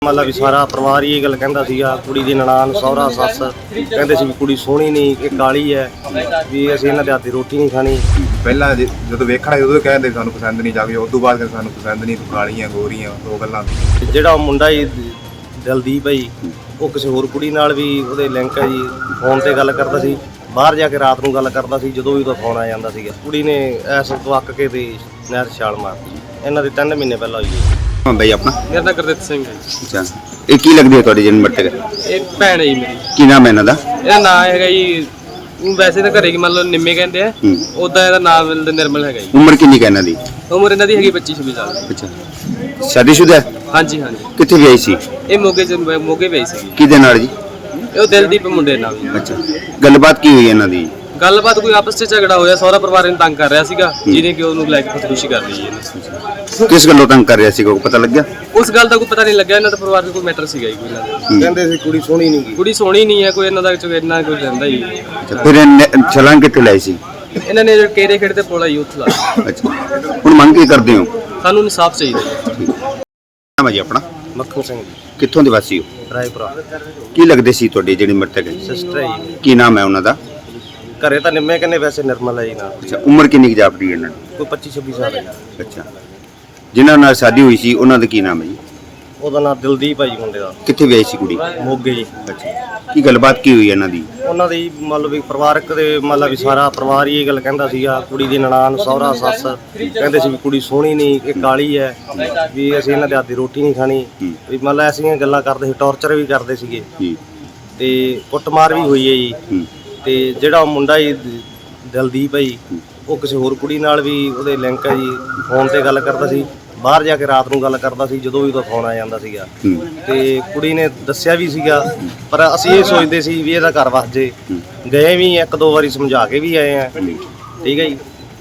मतलब भी सारा परिवार ये गल कहता सीगा कुड़ी दी ननान सहुरा सस कहते सी भी कुड़ी सोहनी नहीं कि काली है भी असीं इन्हां दे हत्थ दी रोटी नहीं खानी। ਪਹਿਲਾਂ ਜਦੋਂ ਵੇਖਣਾ ਉਦੋਂ ਕਹਿੰਦੇ ਸਾਨੂੰ ਪਸੰਦ ਨਹੀਂ ਜਾਵੇ, ਉਦੋਂ ਬਾਅਦ ਕਹਿੰਦੇ ਸਾਨੂੰ ਪਸੰਦ ਨਹੀਂ, ਤੂੰ ਕਾਲੀਆਂ ਗੋਰੀਆਂ ਦੋ ਗੱਲਾਂ। ਜਿਹੜਾ ਮੁੰਡਾ ਜੀ ਦਲਦੀਪ ਹੈ ਜੀ ਉਹ ਕਿਸੇ ਹੋਰ ਕੁੜੀ ਨਾਲ ਵੀ ਉਹਦੇ ਲਿੰਕ ਹੈ ਜੀ, ਫੋਨ ਤੇ ਗੱਲ ਕਰਦਾ ਸੀ, ਬਾਹਰ ਜਾ ਕੇ ਰਾਤ ਨੂੰ ਗੱਲ ਕਰਦਾ ਸੀ, ਜਦੋਂ ਵੀ ਉਹਦਾ ਫੋਨ ਆ ਜਾਂਦਾ ਸੀਗਾ। ਕੁੜੀ ਨੇ ਐਸ ਤੋਂ ਅੱਕ ਕੇ ਤੇ ਨਹਿਰ ਛਾਲ ਮਾਰਤੀ। ਇਹਨਾਂ ਦੇ 3 ਮਹੀਨੇ ਪਹਿਲਾਂ ਹੋਈ ਹੈ। हाँ भाई अपना मेरा नाम गुरदीप सिंह है। अच्छा ये की लगदी है ਤੁਹਾਡੀ ਜਨਮ ਮਰਤੇ एक भैन है जी मेरी। ਕੀ ਨਾਮ ਹੈ ਇਹਨਾਂ ਦਾ? ਇਹਦਾ ਨਾਮ ਹੈਗਾ ਜੀ, ਵੈਸੇ ਤਾਂ ਘਰੇ ਕੀ ਮੰਨ ਲਓ ਨਿੰਮੇ ਕਹਿੰਦੇ ਆ, ਉਦਾਂ ਇਹਦਾ ਨਾਮ ਨਿਰਮਲ ਹੈਗਾ ਜੀ। ਉਮਰ ਕਿੰਨੀ ਹੈ ਇਹਨਾਂ ਦੀ? ਉਮਰ ਇਹਨਾਂ ਦੀ ਹੈਗੀ 25-26 ਸਾਲ। ਅੱਛਾ ਸ਼ਾਦੀशुदा ਹੈ? ਹਾਂਜੀ ਹਾਂਜੀ। ਕਿੱਥੇ ਵਿਆਹੀ ਸੀ? ਇਹ ਮੋਗੇ ਪਈ ਸੀ। ਕਿਹਦੇ ਨਾਲ ਜੀ? ਇਹ ਦਿਲਦੀਪ ਮੁੰਡੇ ਨਾਲ ਜੀ। ਅੱਛਾ ਗੱਲਬਾਤ ਕੀ ਹੋਈ ਇਹਨਾਂ ਦੀ? ਗੱਲਬਾਤ ਕੋਈ ਆਪਸ ਵਿੱਚ ਝਗੜਾ ਹੋਇਆ, ਸਹੁਰਾ ਪਰਿਵਾਰ ਇਹਨੂੰ ਤੰਗ ਕਰ ਰਿਹਾ ਸੀਗਾ, ਜਿਹਨੇ ਕਿ ਉਹਨੂੰ ਲੈ ਕੇ ਖੁਦਕੁਸ਼ੀ ਕਰ ਲਈ ਇਹਨੇ। ਕਿਸ ਗੱਲੋਂ ਤੰਗ ਕਰ ਰਿਹਾ ਸੀ, ਕੋਈ ਪਤਾ ਲੱਗਿਆ? ਉਸ ਗੱਲ ਦਾ ਕੋਈ ਪਤਾ ਨਹੀਂ ਲੱਗਿਆ। ਇਹਨਾਂ ਦਾ ਪਰਿਵਾਰ 'ਚ ਕੋਈ ਮੈਟਰ ਸੀਗਾ ਜੀ ਕੋਈ ਇਹਨਾਂ ਦਾ। ਕਹਿੰਦੇ ਸੀ ਕੁੜੀ ਸੋਹਣੀ ਨਹੀਂ ਗੀ। ਕੁੜੀ ਸੋਹਣੀ ਨਹੀਂ ਹੈ ਕੋਈ, ਇਹਨਾਂ ਦਾ ਇੰਨਾ ਕੋਈ ਰਹਿੰਦਾ ਹੀ। ਅੱਛਾ ਫਿਰ ਛਲਾਂਗ ਕਿੱਥੇ ਲਾਈ ਸੀ? ਇਹਨਾਂ ਨੇ ਕੇਰੇ ਖੇਡ ਤੇ ਪੋਲਾ ਯੂਥ ਲਾ। ਅੱਛਾ ਹੁਣ ਮੰਗ ਕੀ ਕਰਦੇ ਹੋ? ਸਾਨੂੰ ਇਨਸਾਫ ਚਾਹੀਦਾ। ਨਾਮ ਹੈ ਜੀ ਆਪਣਾ? ਮੱਖਣ ਸਿੰਘ ਜੀ, ਕਿੱਥੋਂ ਦੇ ਵਾਸੀ ਹੋ? ਰਾਏਪੁਰਾ। ਕੀ ਲੱਗਦੇ ਸੀ ਤੁਹਾਡੀ ਜਿਹੜੀ ਮਰਤਕ ਹੈ? ਸਿਸਟਰ ਹੈ ਜੀ। ਕੀ ਨਾਮ ਹੈ ਉਹਨਾਂ ਦਾ? ਘਰੇ ਤਾਂ ਨਿੰਮੇ ਕਹਿੰਦੇ, ਵੈਸੇ ਨਿਰਮਲ ਹੈ ਜੀ ਨਾਲ। ਅੱਛਾ ਉਮਰ ਕਿੰਨੀ ਜਾਪਦੀ ਹੈ ਇਹਨਾਂ ਦੀ? ਕੋਈ 25-26 ਸਾਲ ਹੈ ਜੀ। ਅੱਛਾ ਜਿਨ੍ਹਾਂ ਨਾਲ ਸ਼ਾਦੀ ਹੋਈ ਸੀ ਉਹਨਾਂ ਦਾ ਕੀ ਨਾਮ ਹੈ ਜੀ? ਉਹਦਾ ਨਾਮ ਦਿਲਦੀਪ ਹੈ ਜੀ ਮੁੰਡੇ ਦਾ। ਕਿੱਥੇ ਵਿਆਹੀ ਸੀ ਕੁੜੀ? ਮੋਗੇ ਜੀ। ਅੱਛਾ ਕੀ ਗੱਲਬਾਤ ਕੀ ਹੋਈ ਇਹਨਾਂ ਦੀ? ਉਹਨਾਂ ਦੀ ਮੰਨ ਲਓ ਵੀ ਪਰਿਵਾਰਕ ਦੇ ਮੰਨ ਲਾ ਵੀ ਸਾਰਾ ਪਰਿਵਾਰ ਹੀ ਇਹ ਗੱਲ ਕਹਿੰਦਾ ਸੀਗਾ ਕੁੜੀ ਦੀ ਨਨਾਨ ਸਹੁਰਾ ਸੱਸ ਕਹਿੰਦੇ ਸੀ ਵੀ ਕੁੜੀ ਸੋਹਣੀ ਨਹੀਂ ਕਿ ਕਾਲੀ ਹੈ ਵੀ ਅਸੀਂ ਇਹਨਾਂ ਦੇ ਹੱਥ ਦੀ ਰੋਟੀ ਨਹੀਂ ਖਾਣੀ ਵੀ ਮੰਨ ਲਾ ਐਸੀਆਂ ਗੱਲਾਂ ਕਰਦੇ ਸੀ, ਟੌਰਚਰ ਵੀ ਕਰਦੇ ਸੀਗੇ ਤੇ ਕੁੱਟਮਾਰ ਵੀ ਹੋਈ ਹੈ ਜੀ। ਤੇ ਜਿਹੜਾ ਮੁੰਡਾ ਜੀ ਦਲਦੀਪ ਹੈ ਜੀ ਉਹ ਕਿਸੇ ਹੋਰ ਕੁੜੀ ਨਾਲ ਵੀ ਉਹਦੇ ਲਿੰਕ ਹੈ ਜੀ, ਫੋਨ ਤੇ ਗੱਲ ਕਰਦਾ ਸੀ, ਬਾਹਰ ਜਾ ਕੇ ਰਾਤ ਨੂੰ ਗੱਲ ਕਰਦਾ ਸੀ, ਜਦੋਂ ਵੀ ਉਹਦਾ ਫੋਨ ਆ ਜਾਂਦਾ ਸੀਗਾ। ਤੇ ਕੁੜੀ ਨੇ ਦੱਸਿਆ ਵੀ ਸੀਗਾ, ਪਰ ਅਸੀਂ ਇਹ ਸੋਚਦੇ ਸੀ ਵੀ ਇਹਦਾ ਘਰ ਵਸ ਜੇ। ਗਏ ਵੀ 1-2 ਵਾਰੀ ਸਮਝਾ ਕੇ ਵੀ ਆਏ ਆ, ਠੀਕ ਹੈ ਜੀ,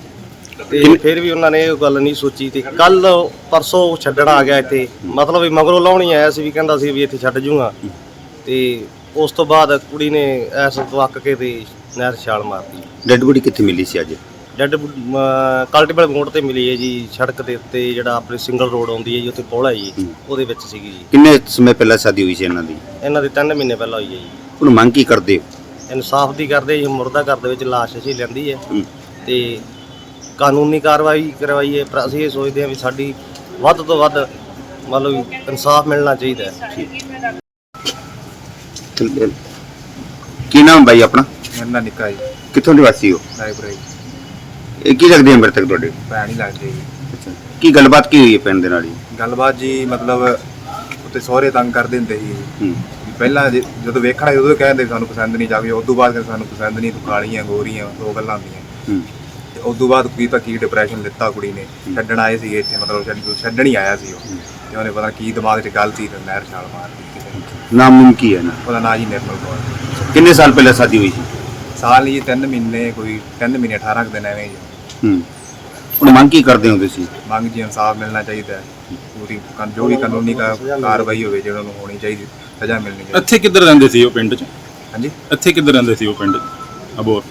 ਤੇ ਫਿਰ ਵੀ ਉਹਨਾਂ ਨੇ ਇਹ ਗੱਲ ਨਹੀਂ ਸੋਚੀ। ਤੇ ਕੱਲ ਪਰਸੋਂ ਛੱਡਣ ਆ ਗਿਆ ਇੱਥੇ, ਮਤਲਬ ਵੀ ਮਗਰੋਂ ਲਾਉਣੀ ਆਇਆ ਸੀ, ਵੀ ਕਹਿੰਦਾ ਸੀ ਵੀ ਇੱਥੇ ਛੱਡ ਜੂਗਾ। ਤੇ ਉਸ ਤੋਂ ਬਾਅਦ ਕੁੜੀ ਨੇ ਐਸ ਤੋਂ ਅੱਕ ਕੇ ਤੇ ਨਹਿਰ ਛਾਲ ਮਾਰਤੀ। ਡੈਡ ਬੋਡੀ ਕਿੱਥੇ ਮਿਲੀ ਸੀ ਅੱਜ? ਡੈਡ ਕਲਟੀਬਲ ਮੋੜ ਤੇ ਮਿਲੀ ਹੈ ਜੀ, ਸੜਕ ਦੇ ਉੱਤੇ ਜਿਹੜਾ ਆਪਣੇ ਸਿੰਗਲ ਰੋਡ ਆਉਂਦੀ ਹੈ ਜੀ, ਉੱਥੇ ਪੋਲ ਹੈ ਜੀ, ਉਹਦੇ ਵਿੱਚ ਸੀਗੀ ਜੀ। ਕਿੰਨੇ ਸਮੇਂ ਪਹਿਲਾਂ ਸ਼ਾਦੀ ਹੋਈ ਸੀ ਇਹਨਾਂ ਦੀ? ਇਹਨਾਂ ਦੇ 3 ਮਹੀਨੇ ਪਹਿਲਾਂ ਹੋਈ ਹੈ ਜੀ। ਹੁਣ ਮੰਗ ਕੀ ਕਰਦੇ ਹੋ? ਇਨਸਾਫ ਦੀ ਕਰਦੇ ਜੀ। ਮੁਰਦਾ ਘਰ ਦੇ ਵਿੱਚ ਲਾਸ਼ ਅਸੀਂ ਲੈਂਦੀ ਹੈ ਤੇ ਕਾਨੂੰਨੀ ਕਾਰਵਾਈ ਕਰਵਾਈ ਹੈ, ਪਰ ਅਸੀਂ ਇਹ ਸੋਚਦੇ ਹਾਂ ਵੀ ਸਾਡੀ ਵੱਧ ਤੋਂ ਵੱਧ ਮਤਲਬ ਇਨਸਾਫ ਮਿਲਣਾ ਚਾਹੀਦਾ ਹੈ। ਕੀ ਨਾਮ ਬਾਈ ਆਪਣਾ? ਮੇਰਾ ਨਾਂ ਨਿੱਕਾ ਜੀ, ਕਿੱਥੋਂ ਦੇ ਵਾਸੀ ਹੋ? ਰਾਏਪੁਰਾ ਜੀ। ਇਹ ਕੀ ਲੱਗਦੀ ਹੈ ਮਰਤਕ ਤੁਹਾਡੇ? ਭੈਣ ਹੀ ਲੱਗਦੀ ਜੀ। ਅੱਛਾ ਕੀ ਗੱਲਬਾਤ ਕੀ ਹੋਈ ਹੈ ਪਿੰਡ ਦੇ ਨਾਲ ਜੀ? ਗੱਲਬਾਤ ਜੀ ਮਤਲਬ ਉੱਤੇ ਸਹੁਰੇ ਤੰਗ ਕਰਦੇ ਹੁੰਦੇ ਸੀ। ਹੂੰ ਪਹਿਲਾਂ ਜਦੋਂ ਵੇਖਣਾ ਉਦੋਂ ਕਹਿੰਦੇ ਸਾਨੂੰ ਪਸੰਦ ਨਹੀਂ ਜਾਵੇ, ਉਦੋਂ ਬਾਅਦ ਕਹਿੰਦੇ ਸਾਨੂੰ ਪਸੰਦ ਨਹੀਂ, ਤੂੰ ਕਾਲੀਆਂ ਗੋਰੀਆਂ ਦੋ ਗੱਲਾਂ ਹੁੰਦੀਆਂ। ਹੂੰ ਤੇ ਉਦੋਂ ਬਾਅਦ ਕੀ ਡਿਪਰੈਸ਼ਨ ਲਿੱਤਾ ਕੁੜੀ ਨੇ। ਛੱਡਣ ਆਏ ਸੀ ਇੱਥੇ, ਮਤਲਬ ਛੱਡਣ ਹੀ ਆਇਆ ਸੀ ਉਹ, ਤੇ ਉਹਨੇ ਪਤਾ ਕੀ ਦਿਮਾਗ 'ਚ ਗੱਲ ਸੀ ਤੇ ਨਹਿਰ ਛਾਲ ਮਾਰ ਦਿੱਤੀ। ਨਾਮ ਨੂਮ ਕੀ ਹੈ ਨਾ? ਉਹਦਾ ਨਾਂ ਜੀ ਨਿਰਮਲ ਕੌਰ। ਕਿੰਨੇ ਸਾਲ ਪਹਿਲਾਂ ਸ਼ਾਦੀ ਹੋਈ ਸੀ? ਸਾਲ ਹੀ 3 ਮਹੀਨੇ, ਕੋਈ 3 ਮਹੀਨੇ 18 ਕੁ ਦਿਨ ਐਵੇਂ ਜੀ। ਹੂੰ ਹੁਣ ਮੰਗ ਕੀ ਕਰਦੇ ਹੋ ਤੁਸੀਂ? ਮੰਗ ਜੀ ਇਨਸਾਫ ਮਿਲਣਾ ਚਾਹੀਦਾ ਹੈ, ਪੂਰੀ ਜੋ ਵੀ ਕਾਨੂੰਨੀ ਕਾਰਵਾਈ ਹੋਵੇ ਜਿਹੜਾ ਨੂੰ ਹੋਣੀ ਚਾਹੀਦੀ, ਸਜ਼ਾ ਮਿਲਣੀ ਚਾਹੀਦੀ। ਇੱਥੇ ਕਿੱਧਰ ਰਹਿੰਦੇ ਸੀ ਉਹ ਪਿੰਡ 'ਚ? ਹਾਂਜੀ ਇੱਥੇ ਕਿੱਧਰ ਰਹਿੰਦੇ ਸੀ ਉਹ ਪਿੰਡ 'ਚ? ਅਬੋਰ?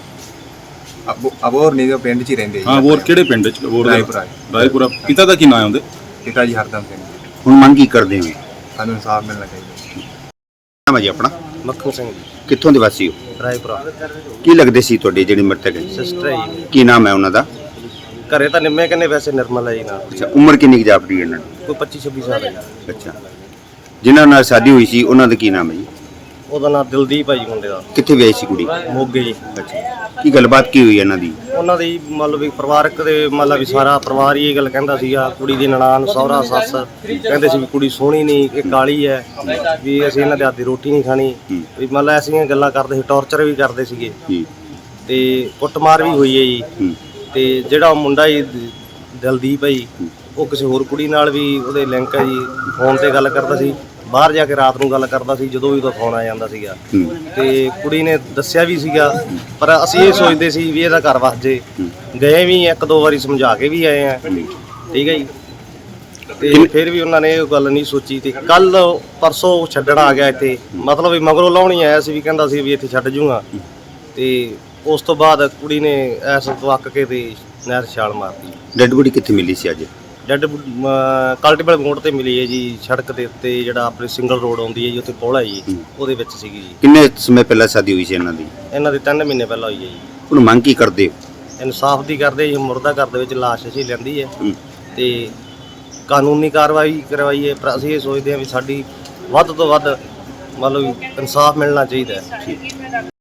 ਅਬੋਰ ਨਹੀਂ, ਪਿੰਡ 'ਚ ਹੀ ਰਹਿੰਦੇ ਜੀ। ਹਾਂ ਅਬੋਰ ਕਿਹੜੇ ਪਿੰਡ 'ਚ? ਅਬੋਰ ਰਾਏਪੁਰਾ। ਰਾਏਪੁਰਾ। ਪਿਤਾ ਦਾ ਕੀ ਨਾਮ ਹੁੰਦੇ? ਪਿਤਾ ਜੀ ਹਰਦਮ ਸਿੰਘ। ਹੁਣ ਮੰਗ ਕੀ ਕਰਦੇ ਹੋ? ਸਾਨੂੰ ਇਨਸਾਫ ਮਿਲਣਾ ਚਾਹੀਦਾ। ਨਾਮ ਹੈ ਜੀ ਆਪਣਾ? ਮੱਖਣ ਸਿੰਘ ਜੀ, ਕਿੱਥੋਂ ਦੇ ਵਾਸੀ ਹੋ? ਰਾਏਪੁਰਾ। ਕੀ ਲੱਗਦੇ ਸੀ ਤੁਹਾਡੀ ਜਿਹੜੀ ਮਰਤਕ ਹੈ? ਸਿਸਟਰ ਹੈ ਜੀ। ਕੀ ਨਾਮ ਹੈ ਉਹਨਾਂ ਦਾ? ਘਰੇ ਤਾਂ ਨਿੰਮੇ ਕਹਿੰਦੇ, ਵੈਸੇ ਨਿਰਮਲ ਹੈ ਜੀ ਨਾਲ। ਅੱਛਾ ਉਮਰ ਕਿੰਨੀ ਜਾਪਦੀ ਹੈ ਇਹਨਾਂ ਦੀ? ਕੋਈ 25-26 ਸਾਲ ਹੈ ਜੀ। ਅੱਛਾ ਜਿਨ੍ਹਾਂ ਨਾਲ ਸ਼ਾਦੀ ਹੋਈ ਸੀ ਉਹਨਾਂ ਦਾ ਕੀ ਨਾਮ ਹੈ ਜੀ? ਉਹਦਾ ਨਾਮ ਦਿਲਦੀਪ ਹੈ ਜੀ ਮੁੰਡੇ ਦਾ। ਕਿੱਥੇ ਵਿਆਹੀ ਸੀ ਕੁੜੀ? ਮੋਗੇ ਜੀ। ਅੱਛਾ ਕੀ ਗੱਲਬਾਤ ਕੀ ਹੋਈ ਇਹਨਾਂ ਦੀ? ਉਹਨਾਂ ਦੀ ਮੰਨ ਲਓ ਵੀ ਪਰਿਵਾਰਕ ਦੇ ਮੰਨ ਲਾ ਵੀ ਸਾਰਾ ਪਰਿਵਾਰ ਹੀ ਇਹ ਗੱਲ ਕਹਿੰਦਾ ਸੀਗਾ ਕੁੜੀ ਦੀ ਨਨਾਨ ਸਹੁਰਾ ਸੱਸ ਕਹਿੰਦੇ ਸੀ ਵੀ ਕੁੜੀ ਸੋਹਣੀ ਨਹੀਂ ਕਿ ਕਾਲੀ ਹੈ ਵੀ ਅਸੀਂ ਇਹਨਾਂ ਦੇ ਹੱਥ ਦੀ ਰੋਟੀ ਨਹੀਂ ਖਾਣੀ ਵੀ ਮੰਨ ਲਾ ਐਸੀਆਂ ਗੱਲਾਂ ਕਰਦੇ ਸੀ, ਟੌਰਚਰ ਵੀ ਕਰਦੇ ਸੀਗੇ ਤੇ ਕੁੱਟਮਾਰ ਵੀ ਹੋਈ ਹੈ ਜੀ। ਤੇ ਜਿਹੜਾ ਮੁੰਡਾ ਜੀ ਦਲਦੀਪ ਹੈ ਜੀ ਉਹ ਕਿਸੇ ਹੋਰ ਕੁੜੀ ਨਾਲ ਵੀ ਉਹਦੇ ਲਿੰਕ ਹੈ ਜੀ, ਫੋਨ ਤੇ ਗੱਲ ਕਰਦਾ ਸੀ, ਬਾਹਰ ਜਾ ਕੇ ਰਾਤ ਨੂੰ ਗੱਲ ਕਰਦਾ ਸੀ, ਜਦੋਂ ਵੀ ਉਹਦਾ ਫੋਨ ਆ ਜਾਂਦਾ ਸੀਗਾ। ਤੇ ਕੁੜੀ ਨੇ ਦੱਸਿਆ ਵੀ ਸੀਗਾ, ਪਰ ਅਸੀਂ ਇਹ ਸੋਚਦੇ ਸੀ ਵੀ ਇਹਦਾ ਘਰ ਵਸ ਜੇ। ਗਏ ਵੀ 1-2 ਵਾਰੀ ਸਮਝਾ ਕੇ ਵੀ ਆਏ ਆ, ਠੀਕ ਹੈ ਜੀ, ਤੇ ਫਿਰ ਵੀ ਉਹਨਾਂ ਨੇ ਇਹ ਗੱਲ ਨਹੀਂ ਸੋਚੀ। ਤੇ ਕੱਲ ਪਰਸੋਂ ਛੱਡਣ ਆ ਗਿਆ ਇੱਥੇ, ਮਤਲਬ ਵੀ ਮਗਰੋਂ ਲਾਉਣੀ ਆਇਆ ਸੀ, ਵੀ ਕਹਿੰਦਾ ਸੀ ਵੀ ਇੱਥੇ ਛੱਡ ਜੂਗਾ। ਤੇ ਉਸ ਤੋਂ ਬਾਅਦ ਕੁੜੀ ਨੇ ਐਸ ਤੋਂ ਅੱਕ ਕੇ ਤੇ ਨਹਿਰ ਛਾਲ ਮਾਰਤੀ। ਡੈਡ ਬੋਡੀ ਕਿੱਥੇ ਮਿਲੀ ਸੀ ਅੱਜ? ਡੈਡ ਕਲਟੀਬਲ ਮੋੜ ਤੇ ਮਿਲੀ ਹੈ ਜੀ, ਸੜਕ ਦੇ ਉੱਤੇ ਜਿਹੜਾ ਆਪਣੇ ਸਿੰਗਲ ਰੋਡ ਆਉਂਦੀ ਹੈ ਜੀ, ਉੱਥੇ ਪੁਲ ਹੈ ਜੀ, ਉਹਦੇ ਵਿੱਚ ਸੀਗੀ ਜੀ। ਕਿੰਨੇ ਸਮੇਂ ਪਹਿਲਾਂ ਸ਼ਾਦੀ ਹੋਈ ਸੀ ਇਹਨਾਂ ਦੀ? ਇਹਨਾਂ ਦੇ 3 ਮਹੀਨੇ ਪਹਿਲਾਂ ਹੋਈ ਹੈ ਜੀ। ਹੁਣ ਮੰਗ ਕੀ ਕਰਦੇ ਹੋ? ਇਨਸਾਫ ਦੀ ਕਰਦੇ ਜੀ, ਮੁਰਦਾ ਘਰ ਦੇ ਵਿੱਚ ਲਾਸ਼ ਅਸੀਂ ਲੈਂਦੀ ਹੈ ਹੂੰ। ਤੇ ਕਾਨੂੰਨੀ ਕਾਰਵਾਈ ਕਰਵਾਈਏ, ਪਰ ਅਸੀਂ ਇਹ ਸੋਚਦੇ ਹਾਂ ਵੀ ਸਾਡੀ ਵੱਧ ਤੋਂ ਵੱਧ ਮਤਲਬ ਇਨਸਾਫ ਮਿਲਣਾ ਚਾਹੀਦਾ ਹੈ।